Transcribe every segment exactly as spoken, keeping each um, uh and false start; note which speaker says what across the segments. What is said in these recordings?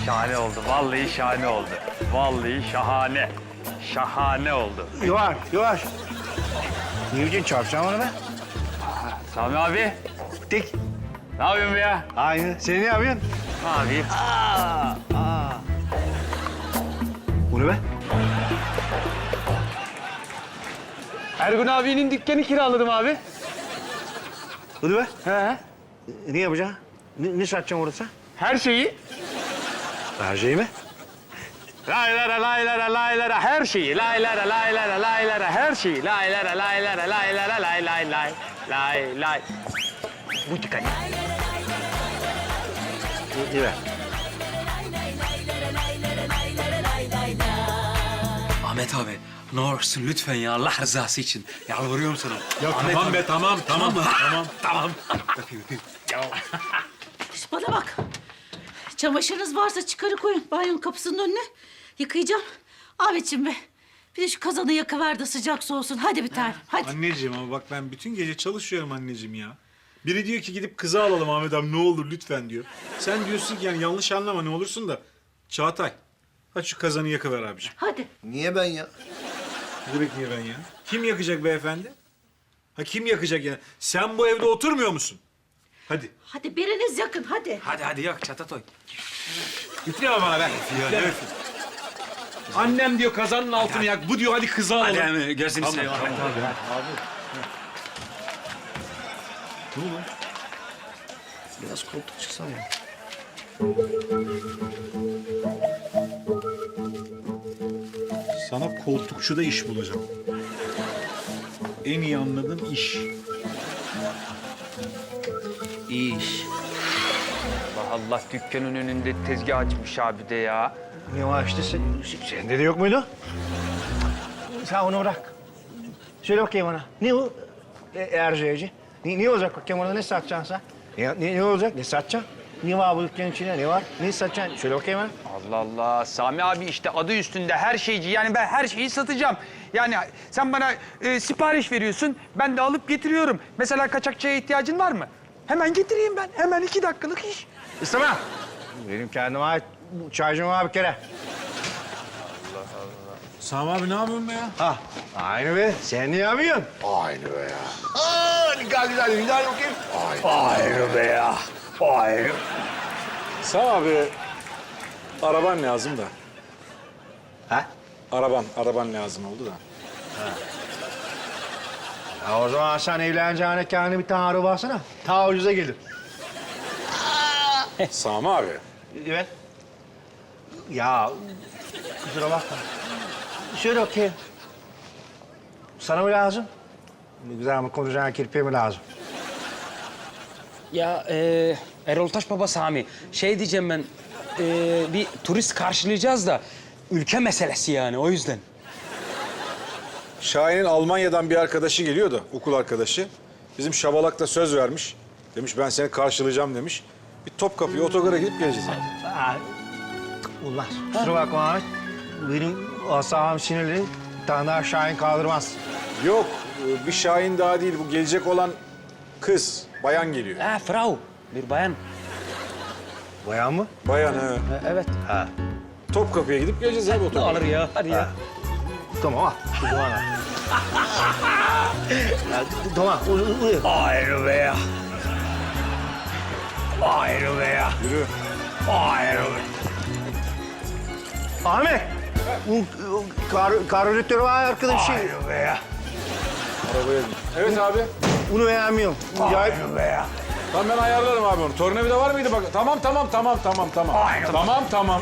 Speaker 1: Şahane oldu. Vallahi şahane oldu. Vallahi şahane. Şahane oldu.
Speaker 2: Yavaş, yavaş. Niye için çarpacağım onu be?
Speaker 1: Sami abi.
Speaker 2: Dik.
Speaker 1: Ne yapıyorsun be ya?
Speaker 2: Aynı. Sen ne yapıyorsun?
Speaker 1: Ne yapayım?
Speaker 2: Aa, aa. Bu ne be?
Speaker 1: Ergun abinin dükkanı kiraladım abi.
Speaker 2: Bu ne be?
Speaker 1: He.
Speaker 2: Ne yapacaksın? Ne, ne satacaksın orada?
Speaker 1: Her şeyi.
Speaker 2: Her şeyi mi?
Speaker 1: Laylara laylara laylara her şeyi. Laylara laylara laylara her şeyi. Laylara laylara laylara lay lay lay. Lay lay. Bu dükkan.
Speaker 2: İyi be.
Speaker 3: Ahmet abi ne olursun lütfen ya Allah rızası için. Yalvarıyorum sana.
Speaker 4: Ya
Speaker 3: Ahmet
Speaker 4: tamam
Speaker 3: abi.
Speaker 4: be tamam tamam tamam.
Speaker 3: Tamam. Öpeyim öpeyim.
Speaker 5: Şş, bana bak. Çamaşırınız varsa çıkarı koyun banyonun kapısının önüne. Yıkayacağım. Ahmetciğim be. Bir de şu kazanı yakıver de sıcak soğusun. Hadi bir tane. Hadi.
Speaker 4: Anneciğim ama bak ben bütün gece çalışıyorum anneciğim ya. Biri diyor ki gidip kızı alalım Ahmet abi ne olur lütfen diyor. Sen diyorsun ki yani yanlış anlama ne olursun da. Çağatay hadi şu kazanı yakıver abiciğim.
Speaker 5: Hadi.
Speaker 2: Niye ben ya?
Speaker 4: Ne demek niye ben ya? Kim yakacak beyefendi? Ha kim yakacak ya? Sen bu evde oturmuyor musun? Hadi.
Speaker 5: Hadi biriniz yakın hadi.
Speaker 3: Hadi hadi yak Çatatoy.
Speaker 4: Üfleme bana ben. Üfleme. Annem diyor kazanın altını yak. Bu diyor hadi kızı alalım.
Speaker 3: Hadi abi gözünü seveyim Ahmet abi.
Speaker 2: Ne oldu? Biraz koltuk çıksam ya.
Speaker 4: Sana koltukçuda iş bulacağım. En iyi anladığın iş.
Speaker 3: İş.
Speaker 1: Allah Allah dükkanın önünde tezgah açmış abi de ya.
Speaker 2: Ne var işte sen, sende de yok muydu? Sen onu bırak. Söyle bakayım bana. Ne o e, Erciyeci? Ne, ne olacak bakayım orada ne satacaksın sen? Ne, ne, ne olacak? Ne satacaksın? Ne var bu dükkanın içinde? Ne var? Ne satacaksın? Söyle bakayım bana.
Speaker 1: Allah Allah. Sami abi işte adı üstünde her şeyci. Yani ben her şeyi satacağım. Yani sen bana e, sipariş veriyorsun. Ben de alıp getiriyorum. Mesela kaçakçıya ihtiyacın var mı? Hemen getireyim ben. Hemen iki dakikalık iş.
Speaker 2: İstemem. Benim kendime ait bu çaycım var bir kere.
Speaker 4: Sami abi ne yapıyorsun be ya?
Speaker 2: Ha, aynı be. Sen ne yapıyorsun? Aynı be ya. Aa, ne kadar güzel. Bir daha bakayım. Aynı be ya. Aynı.
Speaker 4: Sami abi araban lazım da.
Speaker 2: Ha?
Speaker 4: Araban, araban lazım oldu da.
Speaker 2: Ya o zaman sen evleneceğine kendine bir tane araba alsana. Ta ucuza gelir.
Speaker 4: Sami abi.
Speaker 2: Evet. Ya kusura bakma. Şöyle okey. Sana mı lazım? Güzel mi konuşacağın kirpiğe mi lazım?
Speaker 3: Ya e, Erol Taş Baba Sami şey diyeceğim ben e, bir turist karşılayacağız da ülke meselesi yani o yüzden.
Speaker 4: Şahin'in Almanya'dan bir arkadaşı geliyor da, okul arkadaşı. Bizim Şabalak'ta söz vermiş. Demiş ben seni karşılayacağım demiş. Bir Topkapı'ya otogara gidip geleceğiz abi.
Speaker 2: Aa, ulan kusura bakma Ahmet. Benim asabım sinirli. Bir tane daha Şahin kaldırmaz.
Speaker 4: Yok, bir Şahin daha değil. Bu gelecek olan kız, bayan geliyor.
Speaker 3: Ha Frau bir bayan.
Speaker 2: Bayan mı?
Speaker 4: Bayan he.
Speaker 3: Ha, evet.
Speaker 2: Ha.
Speaker 4: Topkapı'ya gidip geleceğiz abi otogara.
Speaker 3: Alır ya hadi ya.
Speaker 2: Tamam al. Şu zaman al. Ya, tamam. Uy, uy, uy.
Speaker 1: Ayrı be ya. Ayrı be ya.
Speaker 4: Yürü.
Speaker 1: Ayrı be.
Speaker 2: Ahmet. Bu bu kar, karbüratör var arkadaşı.
Speaker 1: Ayrı be ya.
Speaker 4: Arabaya bin. Evet abi.
Speaker 2: Bunu beğenmiyorum. Acayip.
Speaker 1: Ayrı be ya.
Speaker 4: Tamam ben ayarlarım abi onu. Tornavida var mıydı bak? Tamam tamam tamam tamam tamam.
Speaker 1: Aynen.
Speaker 4: Tamam tamam.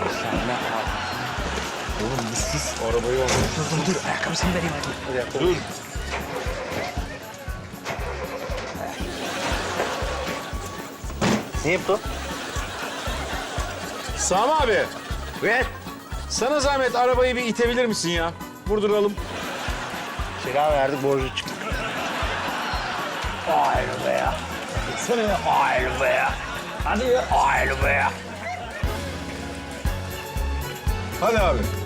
Speaker 4: Arabayı al.
Speaker 3: Dur dur ayakkabısını vereyim hadi.
Speaker 4: Dur.
Speaker 2: Ne yaptı?
Speaker 4: Sami abi.
Speaker 2: Evet.
Speaker 4: Sana zahmet arabayı bir itebilir misin ya? Vurduralım.
Speaker 2: Kira verdik borcu çıktı.
Speaker 1: Ayrı be ya. Sana ya. Ayrı be ya. Hadi ya. Ayrı be ya.
Speaker 4: Hadi abi.